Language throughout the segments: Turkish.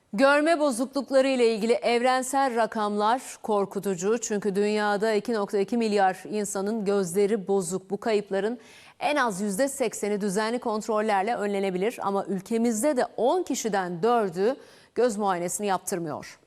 Görme bozuklukları ile ilgili evrensel rakamlar korkutucu. Çünkü dünyada 2,2 milyar insanın gözleri bozuk. Bu kayıpların en az %80'i düzenli kontrollerle önlenebilir. Ama ülkemizde de 10 kişiden 4'ü göz muayenesini yaptırmıyor.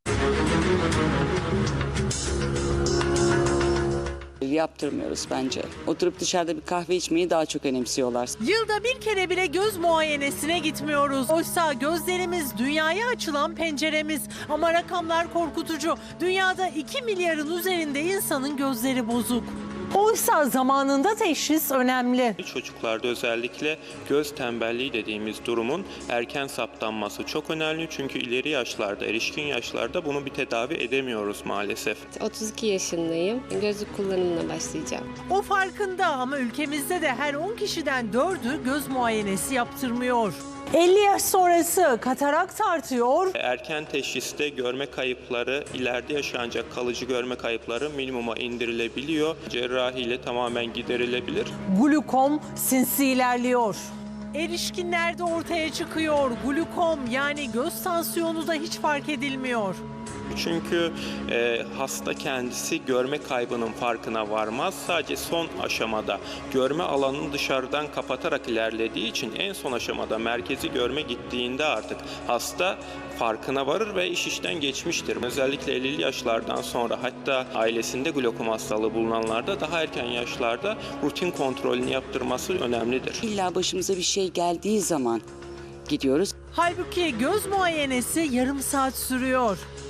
Yaptırmıyoruz bence. Oturup dışarıda bir kahve içmeyi daha çok önemsiyorlar. Yılda bir kere bile göz muayenesine gitmiyoruz. Oysa gözlerimiz dünyaya açılan penceremiz. Ama rakamlar korkutucu. Dünyada 2 milyarın üzerinde insanın gözleri bozuk. Oysa zamanında teşhis önemli. Çocuklarda özellikle göz tembelliği dediğimiz durumun erken saptanması çok önemli. Çünkü ileri yaşlarda, erişkin yaşlarda bunu bir tedavi edemiyoruz maalesef. 32 yaşındayım. Gözlük kullanımına başlayacağım. O farkında ama ülkemizde de her 10 kişiden 4'ü göz muayenesi yaptırmıyor. 50 yaş sonrası katarakt artıyor. Erken teşhiste görme kayıpları, ileride yaşanacak kalıcı görme kayıpları minimuma indirilebiliyor. Cerrahiyle tamamen giderilebilir. Glukom sinsi ilerliyor. Erişkinlerde ortaya çıkıyor. Glukom yani göz tansiyonu da hiç fark edilmiyor. Çünkü hasta kendisi görme kaybının farkına varmaz. Sadece son aşamada görme alanını dışarıdan kapatarak ilerlediği için en son aşamada merkezi görme gittiğinde artık hasta farkına varır ve iş işten geçmiştir. Özellikle 50'li yaşlardan sonra hatta ailesinde glokom hastalığı bulunanlarda daha erken yaşlarda rutin kontrolünü yaptırması önemlidir. İlla başımıza bir şey geldiği zaman gidiyoruz. Halbuki göz muayenesi yarım saat sürüyor.